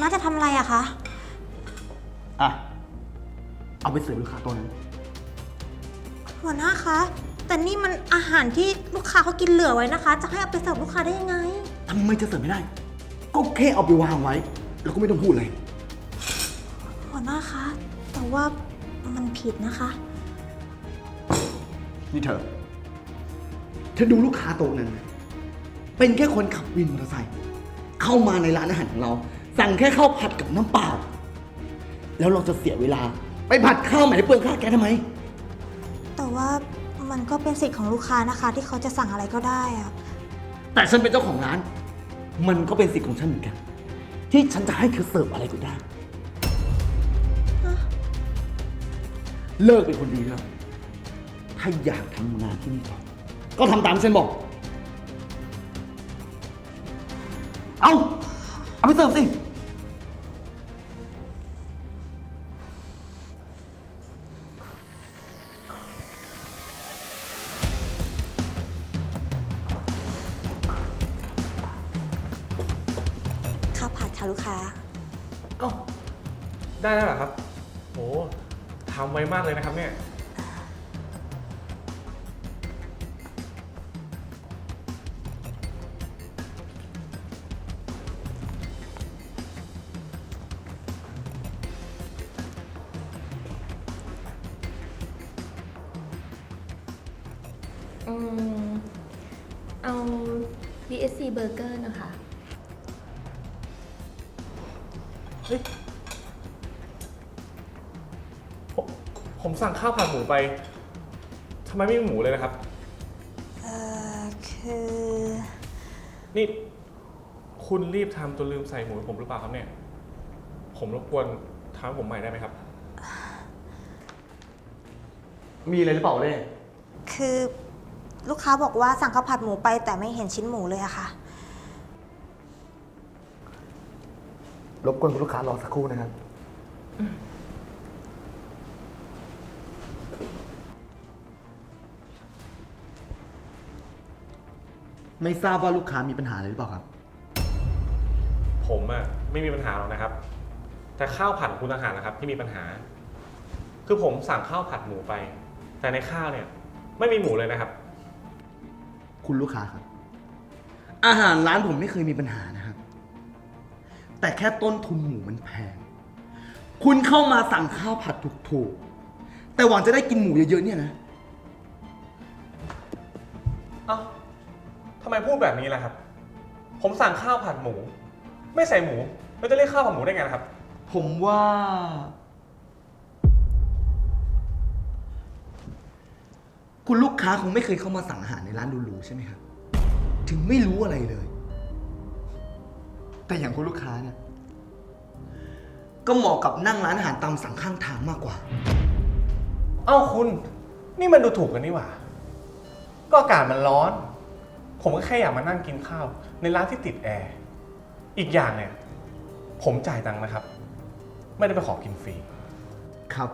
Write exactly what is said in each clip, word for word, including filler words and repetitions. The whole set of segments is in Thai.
น้าจะทำอะไรอะคะอ่ะเอาไปเสิร์ฟลูกค้าตัวนั้นหัวหน้าคะแต่นี่มันอาหารที่ลูกค้าเขากินเหลือไว้นะคะจะให้เอาไปเสิร์ฟลูกค้าได้ยังไงทำไมจะเสิร์ฟไม่ได้ก็แค่เอาไปวางไว้แล้วก็ไม่ต้องพูดเลยหัวหน้าคะแต่ว่ามันผิดนะคะนี่เธอเธอดูลูกค้าโต๊ะนั้นนะเป็นแค่คนขับวินมอเตอร์ไซค์เข้ามาในร้านอาหารของเราสั่งแค่ข้าวผัดกับน้ำเปล่าแล้วเราจะเสียเวลาไปผัดข้าวใหม่ให้เปลืองค่าแก๊สทำไมแต่ว่ามันก็เป็นสิทธิ์ของลูกค้านะคะที่เขาจะสั่งอะไรก็ได้อะแต่ฉันเป็นเจ้าของร้านมันก็เป็นสิทธิ์ของฉันเหมือนกันที่ฉันจะให้เธอเสิร์ฟอะไรก็ได้เลิกเป็นคนดีแล้วถ้าอยากทำงานที่นี่ต่อก็ทำตามที่ฉันบอกเอาเอาไปเสิร์ฟสิข้าวผัดค่ะลูกค้าเอ้าได้แล้วเหรอครับโหทำไวมากเลยนะครับเนี่ยอืมเอา บี เอส ซี Burger นะคะเฮ้ยผมผมสั่งข้าวผัดหมูไปทำไมไม่มีหมูเลยนะครับเอ่อคือนี่คุณรีบทำจนลืมใส่หมูให้ผมหรือเปล่าครับเนี่ยผมรบกวนทำให้ผมใหม่ได้ไหมครับมีอะไรหรือเปล่าเล่คือลูกค้าบอกว่าสั่งข้าวผัดหมูไปแต่ไม่เห็นชิ้นหมูเลยอะค่ะรบกวนคุณลูกค้ารอสักครู่นะครับไม่ทราบว่าลูกค้ามีปัญหาอะไรหรือเปล่าครับผมอะไม่มีปัญหาหรอกนะครับแต่ข้าวผัดคุณต่างหากนะครับที่มีปัญหาคือผมสั่งข้าวผัดหมูไปแต่ในข้าวเนี่ยไม่มีหมูเลยนะครับคุณลูกค้าครับอาหารร้านผมไม่เคยมีปัญหานะครับแต่แค่ต้นทุนหมูมันแพงคุณเข้ามาสั่งข้าวผัดถูกๆแต่หวังจะได้กินหมูเยอะๆเนี่ยนะเอ้าทำไมพูดแบบนี้ล่ะครับผมสั่งข้าวผัดหมูไม่ใส่หมูแล้วจะเรียกข้าวผัดหมูได้ไงครับผมว่าคุณลูกค้าคงไม่เคยเข้ามาสั่งอาหารในร้านหรูๆใช่ไหมครับถึงไม่รู้อะไรเลยแต่อย่างคุณลูกค้าเนี่ยก็เหมาะกับนั่งร้านอาหารตามสั่งข้างทางมากกว่าเอ้าคุณนี่มันดูถูกกันนี่หว่าก็อากาศมันร้อนผมก็แค่อยากมานั่งกินข้าวในร้านที่ติดแอร์อีกอย่างเนี่ยผมจ่ายตังค์นะครับไม่ได้ไปขอกินฟรีครับ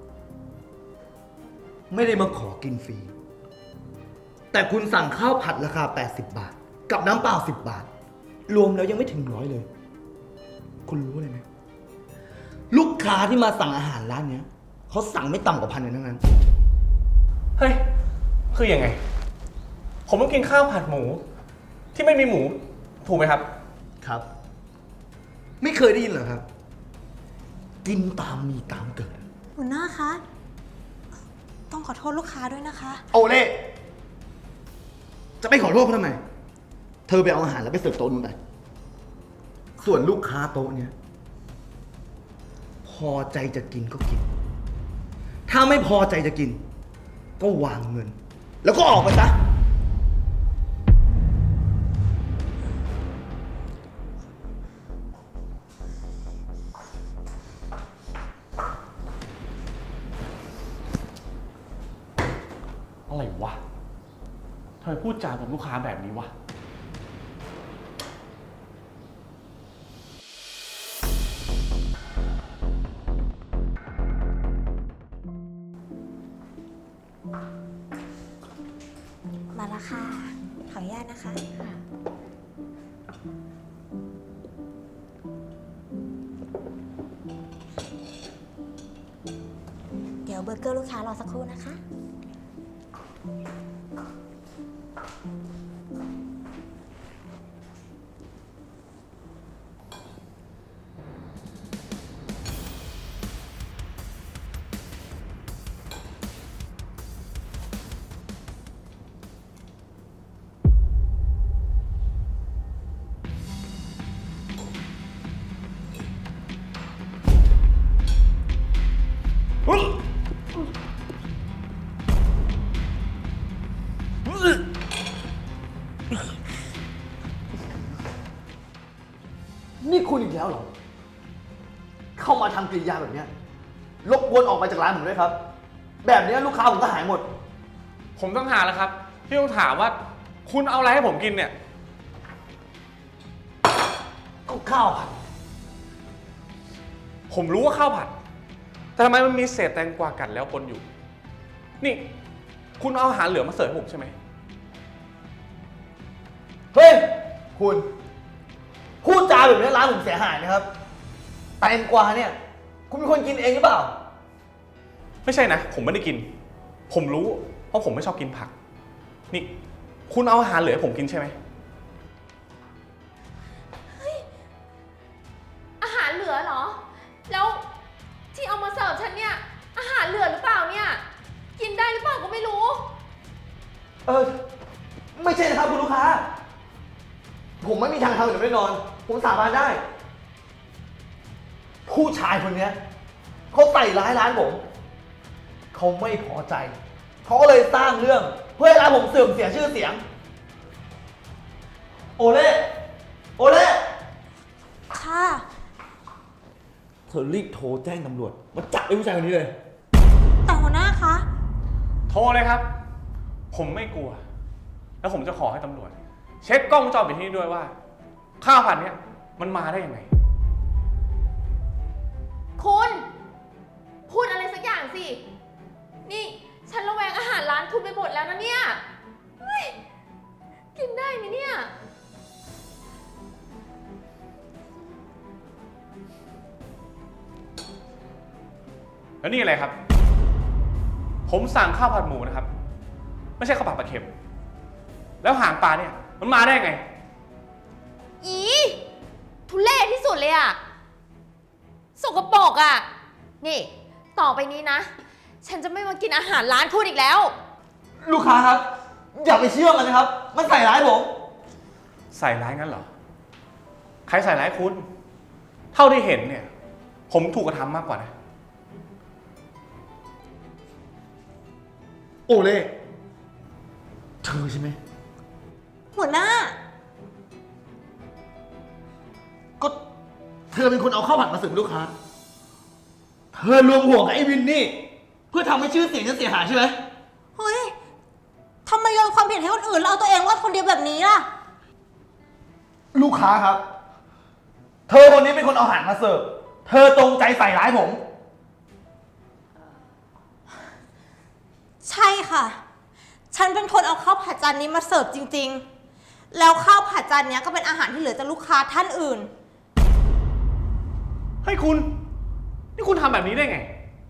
ไม่ได้มาขอกินฟรีแต่คุณสั่งข้าวผัดราคาแปดสิบบาทกับน้ำเปล่าสิบบาทรวมแล้วยังไม่ถึงร้อยเลยคุณรู้เลยไหมลูกค้าที่มาสั่งอาหารร้านเนี้ยเขาสั่งไม่ต่ำกว่าพันเลยทั้งนั้นเฮ้ยคือยังไงผมต้องกินข้าวผัดหมูที่ไม่มีหมูถูกไหมครับครับไม่เคยได้ยินเหรอครับกินตามมีตามเกิดหัวหน้าคะต้องขอโทษลูกค้าด้วยนะคะโอเล่จะไปขอโทษเขาทำไมเธอไปเอาอาหารแล้วไปเสิร์ฟโต๊ะนู้นไปส่วนลูกค้าโต๊ะเนี้ยพอใจจะกินก็กินถ้าไม่พอใจจะกินก็วางเงินแล้วก็ออกไปซะอะไรวะทำไมพูดจากับลูกค้าแบบนี้วะมาแล้วค่ะขออนุญาตนะคะเกอร์ลูกค้ารอสักครู่นะคะนี่คุณอีกแล้วเหรอ เข้ามาทำกิริยาแบบเนี้ยรบกวนออกไปจากร้านผมด้วยครับ แบบเนี้ยลูกค้าผมก็หายหมดผมต้องหาแล้วครับ ที่ต้องถามว่า คุณเอาอะไรให้ผมกินเนี่ยก็ข้าวผัดผมรู้ว่าข้าวผัด แต่ทำไมมันมีเศษแตงกวากัดแล้วปนอยู่ นี่ คุณเอาอาหารเหลือมาเสิร์ฟให้ผมใช่ไหมเฮ้ย คุณ พูดจาแบบนี้ร้านผมเสียหายนะครับ แตงกวาเนี่ย คุณเป็นคนกินเองหรือเปล่าไม่ใช่นะ ผมไม่ได้กิน ผมรู้ เพราะผมไม่ชอบกินผัก นี่ คุณเอาอาหารเหลือให้ผมกินใช่ไหมอาหารเหลือเหรอ แล้วที่เอามาเสิร์ฟฉันเนี่ย อาหารเหลือหรือเปล่าเนี่ย กินได้หรือเปล่าก็ไม่รู้เออ ไม่ใช่นะครับคุณลูกค้า ผมไม่มีทางทำแบบนี้แน่นอน ผมสาบานได้ ผู้ชายคนเนี้ยเขาใส่ร้ายร้านผม เขาไม่พอใจ เขาก็เลยสร้างเรื่อง เพื่อให้ร้านผมเสื่อมเสียชื่อเสียง โอเล่ โอเล่ค่ะเธอรีบโทรแจ้งตำรวจมาจับไอ้ผู้ชายคนนี้เลยแต่หัวหน้าคะโทรเลยครับ ผมไม่กลัว แล้วผมจะขอให้ตำรวจ เช็คกล้องวงจรปิดที่นี่ด้วยว่า ข้าวผัดเนี้ยมันมาได้ยังไงคุณ พูดอะไรสักอย่างสิ นี่ฉันระแวงอาหารร้านคุณไปหมดแล้วนะเนี่ยเฮ้ยกินได้ไหมเนี่ยแล้วนี่อะไรครับ ผมสั่งข้าวผัดหมูนะครับ ไม่ใช่ข้าวผัดปลาเค็ม แล้วหางปลาเนี่ยมันมาได้ไงอีทุเล่ที่สุดเลยอะสกปรกอะนี่ ต่อไปนี้นะ ฉันจะไม่มากินอาหารร้านคุณอีกแล้วลูกค้าครับ อย่าไปเชื่อมันนะครับ มันใส่ร้ายผมใส่ร้ายงั้นเหรอ ใครใส่ร้ายคุณ เท่าที่เห็นเนี่ย ผมถูกกระทำมากกว่านะโอเล่ เธอใช่ไหมหัวหน้าก็เธอเป็นคนเอาข้าวผัดมาเสิร์ฟลูกค้า เธอรวมหัวกับไอ้วินนี่ เพื่อทำให้ชื่อเสียงฉันเสียหายใช่ไหมเฮ้ย ทำไมโยนความผิดให้คนอื่นแล้วเอาตัวเองว่าคนเดียวแบบนี้ล่ะลูกค้าครับ เธอคนนี้เป็นคนเอาอาหารมาเสิร์ฟ เธอตรงใจใส่ร้ายผมใช่ค่ะ ฉันเป็นคนเอาข้าวผัดจานนี้มาเสิร์ฟจริงๆ แล้วข้าวผัดจานนี้ก็เป็นอาหารที่เหลือจากลูกค้าท่านอื่นเฮ้ยคุณ นี่คุณทำแบบนี้ได้ไง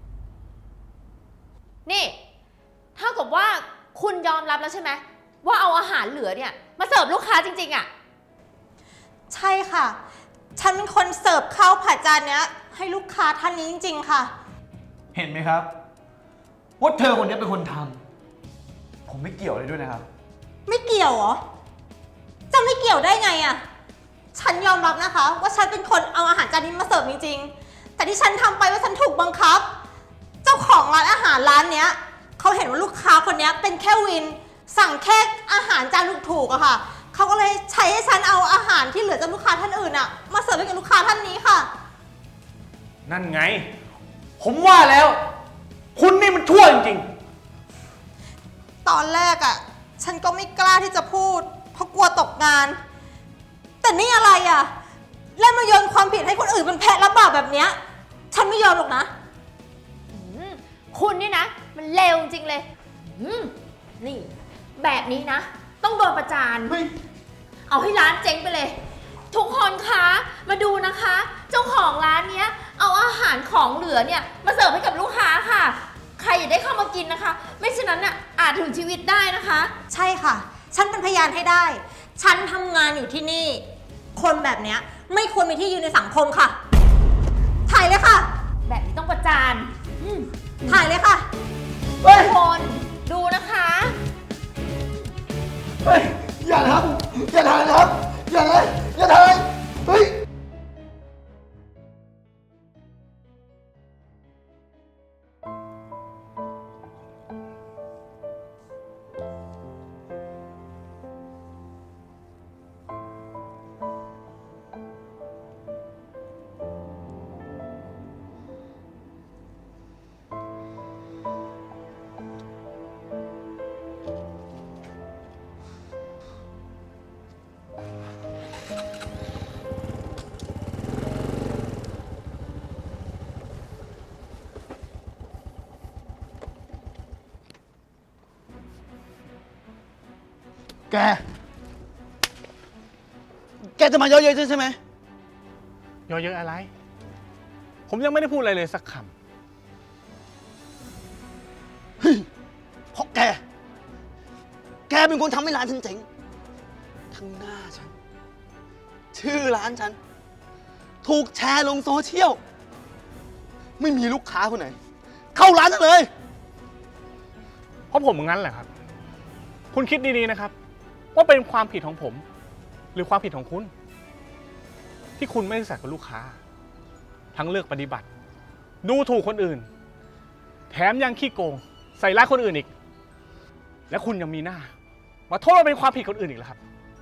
นี่เท่ากับว่าคุณยอมรับแล้วใช่ไหมว่าเอาอาหารเหลือเนี่ยมาเสิร์ฟลูกค้าจริงๆอะใช่ค่ะ ฉันเป็นคนเสิร์ฟข้าวผัดจานนี้ให้ลูกค้าท่านนี้จริงๆค่ะเห็นไหมครับว่าเธอคนนี้เป็นคนทำ ผมไม่เกี่ยวเลยด้วยนะครับไม่เกี่ยวเหรอ จะไม่เกี่ยวได้ไงอะฉันยอมรับนะคะ ว่าฉันเป็นคนเอาอาหารจานนี้มาเสิร์ฟจริงๆ แต่ที่ฉันทำไปว่าฉันถูกบังคับ เจ้าของร้านอาหารร้านเนี้ยเขาเห็นว่าลูกค้าคนนี้เป็นแค่วิน สั่งแค่อาหารจานถูกๆอะค่ะ เขาก็เลยใช้ให้ฉันเอาอาหารที่เหลือจากลูกค้าท่านอื่นอะมาเสิร์ฟให้กับลูกค้าท่านนี้ค่ะนั่นไง ผมว่าแล้ว คุณนี่มันชั่วจริงๆตอนแรกอะฉันก็ไม่กล้าที่จะพูด เพราะกลัวตกงาน แต่นี่อะไรอะเล่นมาโยนความผิดให้คนอื่นเป็นแพะรับบาปแบบเนี้ยฉันไม่ยอมหรอกนะอืมคุณนี่นะ มันเลวจริงๆเลยอืมนี่ แบบนี้นะ ต้องโดนประจานเฮ้ยเอาให้ร้านเจ๊งไปเลย ทุกคนคะมาดูนะคะ เจ้าของร้านเนี้ย เอาอาหารของเหลือเนี่ยมาเสิร์ฟให้กับลูกค้าค่ะใครอย่าได้เข้ามากินนะคะ ไม่เช่นนั้นน่ะอาจถึงชีวิตได้นะคะใช่ค่ะ ฉันเป็นพยานให้ได้ ฉันทำงานอยู่ที่นี่ คนแบบเนี้ยไม่ควรมีที่ยืนในสังคมค่ะ ถ่ายเลยค่ะแบบนี้ต้องประจานอืมถ่ายเลยค่ะเฮ้ยทุกคนดูนะคะเฮ้ย อย่าทำอย่าถ่ายนะครับ อย่าเลยอย่าถ่ายเฮ้ย แก แกจะมาเยอะเย้ยใช่ไหมเยอะเยอะอะไร ผมยังไม่ได้พูดอะไรเลยสักคเฮ้ยเพราะแก แกเป็นคนทำให้ร้านฉันเจ๊ง ทั้งหน้าฉัน ชื่อร้านฉัน ถูกแชร์ลงโซเชียล ไม่มีลูกค้าคนไหน เข้าร้านฉันเลยำเพราะผมงั้นแหละครับ คุณคิดดีๆนะครับ ว่าเป็นความผิดของผม หรือความผิดของคุณ ที่คุณไม่ซื่อสัตย์กับลูกค้า ทั้งเลือกปฏิบัติ ดูถูกคนอื่น แถมยังขี้โกง ใส่ร้ายคนอื่นอีก และคุณยังมีหน้ามาโทษว่าเป็นความผิดคนอื่นอีกแล้วครับ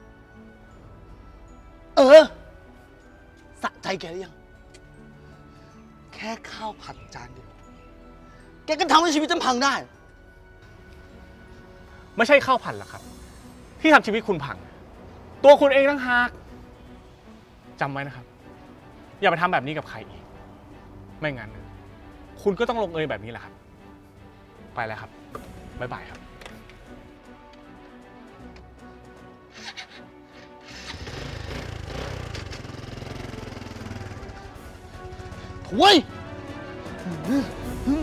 เออ สะใจแกหรือยัง แค่ข้าวผัดจานเดียว แกก็ทำให้ชีวิตฉันพังได้ไม่ใช่ข้าวผัดหรอกครับ ที่ทำชีวิตคุณพัง ตัวคุณเองต่างหากจำไว้นะครับ อย่าไปทำแบบนี้กับใครอีก ไม่งั้น คุณก็ต้องลงเอยแบบนี้แหละครับ ไปแล้วครับ บ๊ายบายครับโว้ย อืม